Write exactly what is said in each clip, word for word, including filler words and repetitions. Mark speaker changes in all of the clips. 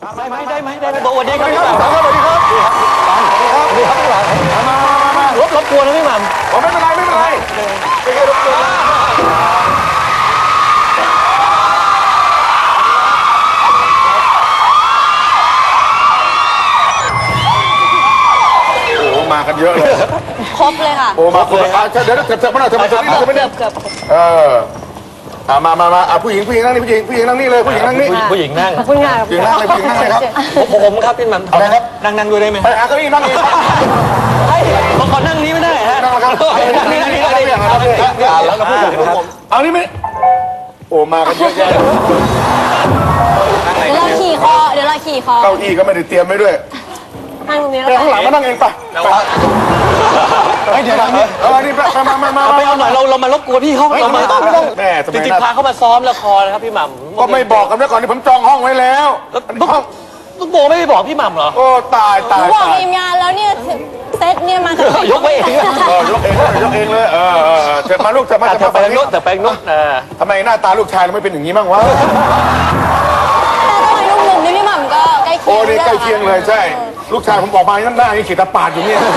Speaker 1: ได้ไหมได้ไหมได้ไหมบอกวันนี้ครับพี่หม่ำ
Speaker 2: สวัสดีครับสวัสดีครับ
Speaker 1: สวัสดีครับพี่หม่ำ
Speaker 2: มามามามา
Speaker 1: รบรบกวนนะพี่หม่ำ
Speaker 2: ผมไม่เป็นไรไม่เป็นไรไม่เคยรบกวนโอ้มากันเยอะเลย
Speaker 3: ครบเลยค่ะ
Speaker 2: โอ้มาคนละเดี๋ยวเดี๋ยวเถอะมาหน่อยเถอะมาเถอะนี่เถอะมาเนี่ยเออมามามาผู้หญิงผู้หญิงนั่งนี่ผู้หญิงผู้หญิงนั่งนี่เลยผู้หญิงนั่งนี่
Speaker 1: ผู้หญิงนั่ง
Speaker 3: ขอบคุณค่ะ
Speaker 2: ผู้หญิงนั่งเลยผู้หญิงนั่งเลยครับ
Speaker 1: ผมครับพี่หม่ำ
Speaker 2: อะไรครับ
Speaker 1: นั่งนั่งด้วยได้ไหม
Speaker 2: ไปหาเก้าอี้นั่งเอง
Speaker 1: ผมขอนั่งนี้ไม่ได้ฮะ
Speaker 2: นั่งแล้วครับ
Speaker 1: นั่งนี้นั่งนี้นั่งนี้
Speaker 2: แล้วเราพูดกันครับเอานี่ไม่โอ้มากันเยอะแยะ
Speaker 3: เดี๋ยวเราขี่คอ เดี๋ยวเราขี่คอ
Speaker 2: เก้าอี้ก็ไม่ได้เตรียมไว้ด้วย
Speaker 3: นั่งตรงนี้
Speaker 2: ไป
Speaker 3: แล้ว
Speaker 2: ข้างหลังมานั่งเองไปไปเดี๋ยวนะเออนี่ไปมามามา
Speaker 1: เอาไปเอาหน่อยเราเรามารบกวนพี่เขาเรามา
Speaker 2: แม่ทำไม
Speaker 1: จริงๆพาเขามาซ้อมละครนะครับพี่หม่ำ
Speaker 2: ก็ไม่บอกกันไว้ก่อนที่ผมจองห้องไว้แล้วห้อง
Speaker 1: ลูกโบไม่ไปบอกพี่หม่ำเหรอ
Speaker 2: โอ้ตาย
Speaker 3: ห
Speaker 2: ตา
Speaker 3: นู
Speaker 2: ย
Speaker 3: บอก
Speaker 2: ตาย
Speaker 3: ทีมงานแล้วเนี่ยเซตเนี่ยมาจากไหน
Speaker 1: ยกไว้เอง
Speaker 2: เออยกเองเลยยกเองเลยเออเออเถิดมาลูกเถิดมา
Speaker 1: แต่
Speaker 2: เถิด
Speaker 1: ไป
Speaker 2: มา
Speaker 1: โน้ตแต่ไปโน้ตอ่า
Speaker 2: ทำไมหน้าตาลูกชายเราไม่เป็นอย่างนี้บ้างวะ
Speaker 3: แต่ทำไมลูกหนุ่มนี่พี่หม่ำก็ใกล้เคี
Speaker 2: โอ้
Speaker 3: ยง
Speaker 2: นี่ใกล้เคียงเลยใช่ลูกชายผมบอกมาหน้ายังขีดตาปาดอยู่เนี่ย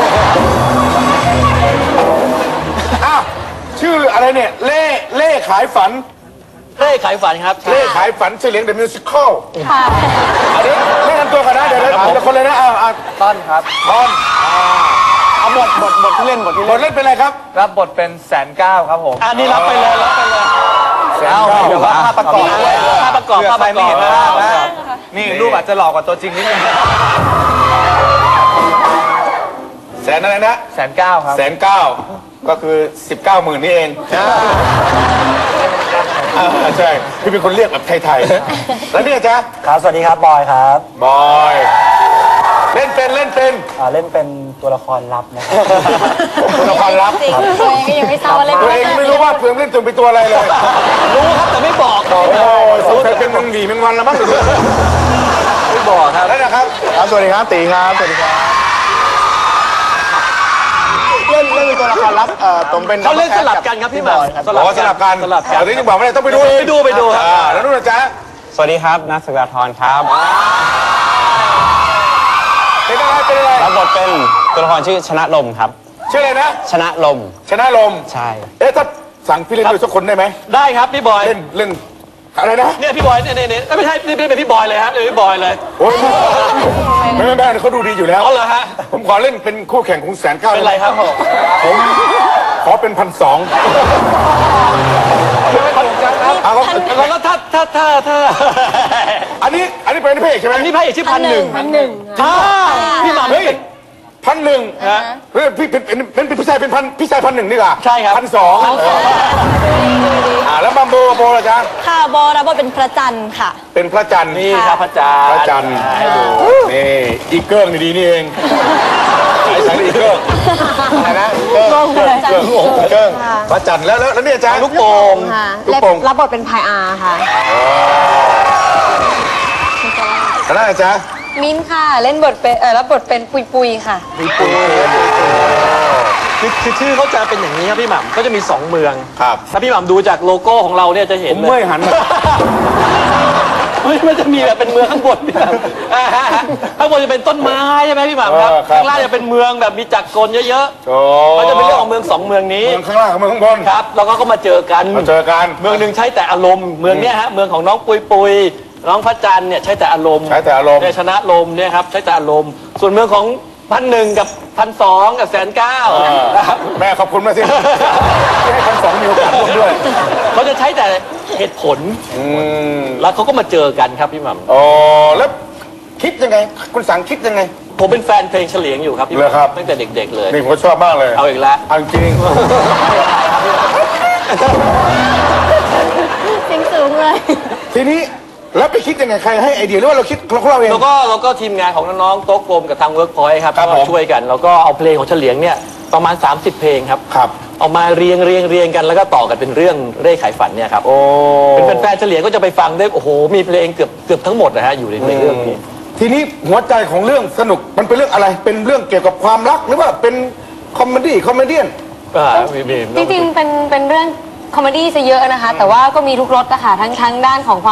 Speaker 2: อ้าวชื่ออะไรเนี่ยเล่เล่ขายฝัน
Speaker 1: เร่ขายฝันครับ
Speaker 2: เล่ขายฝันชื่อเลี้ยงเดอะมิวสิคอล
Speaker 3: ค่ะ
Speaker 2: อันนี้เล่นกันตัวกันนะเดี๋ยวเดี๋ยวเดี๋ยวคนเลยนะอ่าอ่า
Speaker 4: ต้นครับ
Speaker 2: ทอน
Speaker 4: เอาบทบทบทที่เล่นบทที่
Speaker 2: บ
Speaker 4: เล่
Speaker 2: ท
Speaker 4: น
Speaker 2: เล่นเป็นอะไรครับ
Speaker 4: รับบทเป็นแสนเก้าครับผม
Speaker 1: อันนี้รับไปเลยรับไปเลย
Speaker 4: เอาเดี๋ยวว่าภาพประกอบด้วย
Speaker 1: ภาพประกอบ
Speaker 4: เผื่
Speaker 1: ภาพ
Speaker 4: ใค
Speaker 1: ป
Speaker 4: ร
Speaker 1: ระก
Speaker 4: ไม่
Speaker 1: อบ
Speaker 4: เห็นภาพนะนี่รูปอาจจะหลอกกว่าตัวจริงนิดนึง
Speaker 2: แสนอะไรนะ
Speaker 4: แสนเก้าครับ
Speaker 2: แสนเก้าก็คือสิบเก้าหมื่นนี่เองอ่าใช่พี่เป็นคนเรียกแบบไทยๆแล้วเนี่ยจ๊ะ
Speaker 5: ครับ สวัสดีครับ บอยครับ
Speaker 2: บอยเล่นเป็นเล่นเป็น
Speaker 5: อ่าเล่นเป็นตัวละครลับนะครับ
Speaker 2: ตัวละครลับ
Speaker 3: จริงตัวเองก็ยังไม่ทราบว่าเล่น
Speaker 2: ตัวเองไม่รู้ว่าเพื่อนเล่นตัวเป็นตัวอะไรเลย
Speaker 1: รู้ครับแต่ไม่บอก
Speaker 2: โอ้ยสงสัยเป็นมึงหนีมึงวันละมั้ง
Speaker 1: ไม่บอกครับ
Speaker 2: แล้วนะครับครับสวัสดีครับตีครับสวัสดีครับเล่นเล่นเป็นตัวละครลับเอ่อตมเป็น
Speaker 1: เขาเล่นสลับกันครับพี่หม่ำ
Speaker 2: อ๋อสลับกัน
Speaker 1: สลับกัน
Speaker 2: เดี๋ยวนี้บอกไม่ได้ต้องไปดู
Speaker 1: ไปดูไปดูครับ
Speaker 2: อ่าแล้วนู่นนะจ๊ะ
Speaker 4: สวัสดีครับนัทสุกาธรครับ
Speaker 2: เป็นอะไรเป็นอะไร
Speaker 4: รับบทเป็นตัวละครชื่อชนะลมครับ
Speaker 2: ชื่ออะไรนะ
Speaker 4: ชนะลม
Speaker 2: ชนะลม
Speaker 4: ใช่
Speaker 2: เอ๊ะถ้าสั่งพี่เล่นด้วยสักคนได้ไหม
Speaker 1: ได้ครับพี่บอย
Speaker 2: เล่นเล่นอะไรนะ
Speaker 1: เนี่ยพี่บอยเนี่ยเนี่ยเนี่ยไม่ใช่นี่เป็นพี่บอยเลยฮะเลยพี่บอยเลย
Speaker 2: โอ้ยไม่ไม่ไม่เขาดูดีอยู่แล้ว
Speaker 1: เอาเลยฮะ
Speaker 2: ผมขอเล่นเป็นคู่แข่งของแสนเก้า
Speaker 1: เป็นไรครับ
Speaker 2: ผมขอเป็นพันสองเอาครับ
Speaker 1: แล้วถ้าถ้าถ้าถ้า
Speaker 2: อันนี้อันนี้เป็นพระเอกใช่ไหม
Speaker 1: นี่พระเอกชื่อพันหนึ่ง
Speaker 3: พันหนึ่ง
Speaker 1: อ่าพี่หม่ำ
Speaker 2: เฮ้ยพันหนึ่ง
Speaker 1: ฮะ
Speaker 2: เฮ้ยพี่เป็นเป็นเป็นพี่ชายเป็นพันพี่ชายพันหนึ่งนี่กว่า
Speaker 1: ใช่ครับ
Speaker 2: พันสองอ่าแล้วบัมโบโบล่ะจ๊ะ
Speaker 3: ค่ะโบรับบทเป็นพระจันทร์ค่ะ
Speaker 2: เป็นพระจันทร์
Speaker 1: นี่ครับพระจันทร์
Speaker 2: พระจันทร์นี่อีเกิ้งนี่ดีนี่เองไอ้สังอีเกิ้งอะไรนะเกิ้ง
Speaker 3: งงเลย
Speaker 2: เกิ้งอีเกิ้งพระจันทร์แล้วแล้วแล้วเนี่ยจ๊ะ
Speaker 1: ลูกโป่ง
Speaker 3: ค่ะ
Speaker 2: ลูกโป่ง
Speaker 3: รับบทเป็นพายอาค่ะ
Speaker 2: แล้วนั่นนะจ๊ะ
Speaker 3: มิ้นท์ค่ะเล่นบทเป็นเออรับบทเป็นปุยปุยค่ะ
Speaker 1: คือคือชื่อเขาจะเป็นอย่างนี้ครับพี่หม่ำก็จะมีสองเมือง
Speaker 2: ครับ
Speaker 1: ถ้าพี่หม่ำดูจากโลโก้ของเราเนี่ยจะเห็
Speaker 2: ผ
Speaker 1: น
Speaker 2: ม
Speaker 1: เล
Speaker 2: เมื่อย
Speaker 1: ย
Speaker 2: หันมา
Speaker 1: เฮ้ยมันจะมีแบบเป็นเมืองข้างบนเนี่ยอ่าฮะข้างบนจะเป็นต้นไม้ใช่ไหมพี่หม่ำครับ
Speaker 2: เออครับ
Speaker 1: ข้างล่างจะเป็นเมืองแบบมีจักรกลเยอะ
Speaker 2: โอ้
Speaker 1: ๆมันจะเป็นเรื่องของเมืองสองเมืองนี้
Speaker 2: เมืองข้างล่างกับเมืองข้างบน
Speaker 1: ครับแล้วก็ก็มาเจอกัน
Speaker 2: มาเจอกัน
Speaker 1: เมืองหนึ่งใช้แต่อารมณ์เมืองเนี้ยฮะเมืองของน้องปุยปุยน้องพระจันทร์เนี่ยใช้แต่อารมณ์
Speaker 2: ใช้แต่อารมณ์
Speaker 1: เนี่ยชนะลมเนี่ยครับใช้แต่อารมณ์ส่วนเมืองของพันหนึ่งกับพันสองกับแสนเก้านะครับ
Speaker 2: แม่ขอบคุณมากสิที่ให้พันสองมีโอกาสร่วมด้วย
Speaker 1: เขาจะใช้แต่เหตุผล
Speaker 2: อืม
Speaker 1: แล้วเขาก็มาเจอกันครับพี่หม่ำ
Speaker 2: อ๋อแล้วคิดยังไง คุณสังคิดยังไง
Speaker 1: ผมเป็นแฟนเพลงเฉลียงอยู่ครับพี่ห
Speaker 2: เหรอครับ
Speaker 1: ม่ำตั้งแต่เด็กๆเลย
Speaker 2: นี่ผมก็ชอบมากเลย
Speaker 1: เอาอีกแล้ว
Speaker 2: เอาจริง
Speaker 3: เสียงสูงเลย
Speaker 2: ทีนี้แล้วไปคิดยังไงใครให้ไอเดียหรือว่าเราคิดของเราเอง
Speaker 1: แล้วก็แล้วก็ทีมงานของน้องๆโต๊ะกลมกับทางเวิร์กพอยต์ครับ
Speaker 2: ครับ
Speaker 1: ก็
Speaker 2: ผม
Speaker 1: ช่วยกัน แล้วก็เอาเพลงของเฉลียงเนี่ยประมาณ สามสิบ เพลงครับ
Speaker 2: ครับ
Speaker 1: เอามาเรียงเรียงเรียงกันแล้วก็ต่อกันเป็นเรื่องเร่ขายฝันเนี่ยครับ
Speaker 2: โอ้
Speaker 1: เป็นแฟนๆเฉลียงก็จะไปฟังได้โอ้โหมีเพลงเกือบเกือบทั้งหมดนะฮะอยู่ในในเรื่องนี้
Speaker 2: ทีนี้หัวใจของเรื่องสนุกมันเป็นเรื่องอะไร เป็นเรื่องเกี่ยวกับความรักหรือว่าเป็นคอมเมดี้คอมเมเดี้
Speaker 1: อ่ามีมี
Speaker 3: จริงๆ เป็นเป็นเรื่องคอมเมดี้ซะเยอะนะคะ แต่ว่าก็มีทุกรสอะค่ะทั้งทั้งด้านของความ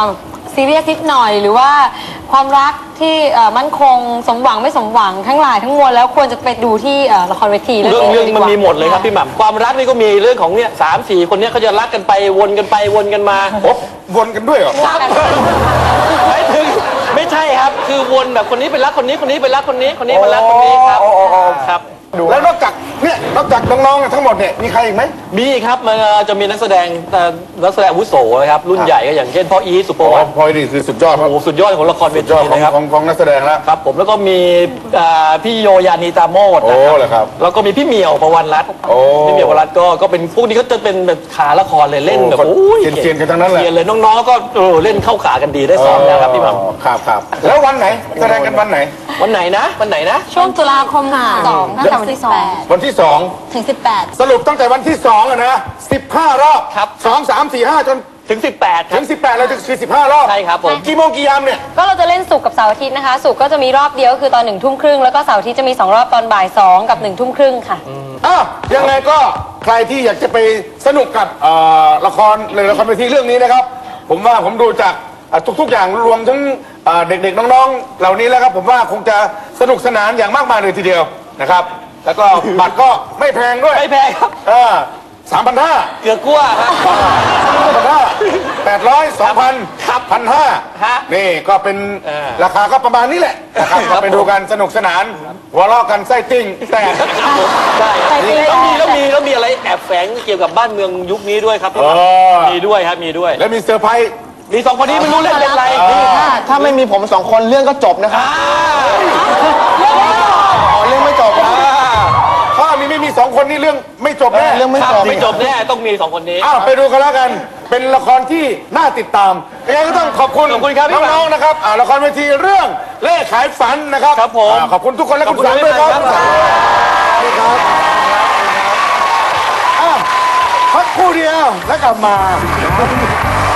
Speaker 3: ซีเรียสนิดหน่อยหรือว่าความรักที่เอ่อมั่นคงสมหวังไม่สมหวังทั้งหลายทั้งมวลแล้วควรจะไปดูที่เอ่อละครเวที
Speaker 1: เรื่อง
Speaker 3: นี้
Speaker 1: เรื่อง
Speaker 3: ดีก
Speaker 1: มัน
Speaker 3: ว่า
Speaker 1: มีหมดเลยครับพี่หม่ำความรักนี่ก็มีเรื่องของเนี่ยสามสี่คนเนี้ยเขาจะรักกันไปวนกันไปวนกันมา
Speaker 2: โอ้วนกันด้วยเหรอ
Speaker 1: ครับไม่ถึงไม่ใช่ครับคือวนแบบคนนี้ไปรักคนนี้คนนี้ไปรักคนนี้คนนี้มารักคนนี้ครับ
Speaker 2: โอ้โอ้โอ้
Speaker 1: ครับ
Speaker 2: แล้วนอกจากเนี่ยนอกจากน้องๆทั้งหมดเนี่ยมีใครอีกไหม
Speaker 1: มีครับมันจะมีนักแสดงเอ่อนักแสดงอาวุโสนะครับรุ่นใหญ่ก็อย่างเช่นพ่ออีทสุป
Speaker 2: พ
Speaker 1: วัตร
Speaker 2: พลอยนี่คือสุดยอดค
Speaker 1: โอ้
Speaker 2: รับ
Speaker 1: โหสุดยอดของละครเว
Speaker 2: สุดย
Speaker 1: ที
Speaker 2: อดของ
Speaker 1: นะครับ
Speaker 2: ของของนักแสดงแล้ว
Speaker 1: ครับผมแล้วก็มีอ่าพี่โยยานีตาโมด
Speaker 2: โอ้
Speaker 1: นะ
Speaker 2: เหรอครับ
Speaker 1: แล้วก็มีพี่เหมียวประวันรัตน์
Speaker 2: โอ้
Speaker 1: พี่เหมียวประวันรัตน์ก็ก็เป็นพวกนี้ก็จะเป็นแบบขาละครเลยเล่นแบบ
Speaker 2: โอ้
Speaker 1: โอ้ย
Speaker 2: เซียนๆกันทั้งนั้นแหละ
Speaker 1: เซียนเลยน้องๆก็เออเล่นเข้าขากันดีได้ซ้อมแล้วครับพี่หม่ำ
Speaker 2: อ๋อครับครับแล้ววันไหนแสดงกันวันไหน
Speaker 1: วันไหนนะวันไหนนะ
Speaker 3: ช่วงตุลาคมสองตั้งแต่วันที่สอง
Speaker 2: วันที่สอง
Speaker 3: ถึงสิบแปด
Speaker 2: สรุปตั้งแต่วันที่สองอะนะสิบห้ารอบ
Speaker 1: ครับ
Speaker 2: สองสามสี่ห้าจน
Speaker 1: ถึงสิบแปดค
Speaker 2: ถึ
Speaker 1: รับ
Speaker 2: งสิบแปดเราจะคือสิบห้ารอบ
Speaker 1: ใช่ครับผม
Speaker 2: กี่โมงกี่ยามเนี่ย
Speaker 3: ก็เราจะเล่นศุกร์กับเสาร์อาทิตย์นะคะศุกร์ก็จะมีรอบเดียวคือตอนหนึ่งทุ่มครึ่งแล้วก็เสาร์อาทิตย์จะมีสองรอบตอนบ่ายสองกับหนึ่งทุ่มครึ่งค่ะ
Speaker 2: อ้าวยังไงก็ใครที่อยากจะไปสนุกกับเอ่อละครหรือละครเวทีเรื่องนี้นะครับ ผมว่าผมดูจากอ่ะทุกๆอย่างรวมทั้งเอ่อเด็กๆน้องๆ เหล่านี้แล้วครับ ผมว่าคงจะสนุกสนานอย่างมากมายเลยทีเดียวนะครับ แล้วก็บัตรก็ไม่แพงด้วย
Speaker 1: ไม่แพงครับ
Speaker 2: เออสามพันห้า
Speaker 1: เกลือกลัวครับ
Speaker 2: สามพันห้าแปดร้อยสองพัน
Speaker 1: ครับ
Speaker 2: พันห้า
Speaker 1: ฮะ
Speaker 2: นี่ก็เป็น
Speaker 1: เออ
Speaker 2: ราคาก็ประมาณนี้แหละนะครับ
Speaker 1: ครับ
Speaker 2: ไปดูกันสนุกสนานหัวเราะกันไส้ติ่งแต่
Speaker 1: ใช่แล้วมีแล้วมีแล้วมีอะไรแอบแฝงเกี่ยวกับบ้านเมืองยุคนี้ด้วยครับพี่หม่ำมีด้วยครับมีด้วย
Speaker 2: แล้วมีเซอร์ไพรส์
Speaker 1: มีสองคนนี้ไม่รู้เล่นเป็นอะไร
Speaker 4: ถ้าถ้าไม่มีผมสองคนเรื่องก็จบนะครับ
Speaker 1: อ่า
Speaker 4: อ๋อเรื่องไม่จบนะ
Speaker 2: ถ้ามีไม่มีสองคนนี่เรื่องไม่จบแน่
Speaker 4: เรื่องไม่
Speaker 1: ครับ
Speaker 4: จบ
Speaker 1: ไม่จบแน่ต้องมีสองคนนี้
Speaker 2: อ้าวไปดูกันแล้วกัน เป็นละครที่น่าติดตามยังไงก็ต้องขอบคุณ
Speaker 1: ขอบคุณครับพี่หม่ำ
Speaker 2: น้องๆนะครับอ่าละครเวทีเรื่องเล่ขายฝันนะครับ
Speaker 1: ครับผม
Speaker 2: อ่าขอบคุณทุกคนและ
Speaker 1: ขอบ
Speaker 2: คุณ
Speaker 1: คุณ
Speaker 2: สังด้วยครับ
Speaker 1: ครับ
Speaker 2: นี่ครับอ้าวพักครู่เดียวแล้วกลับมา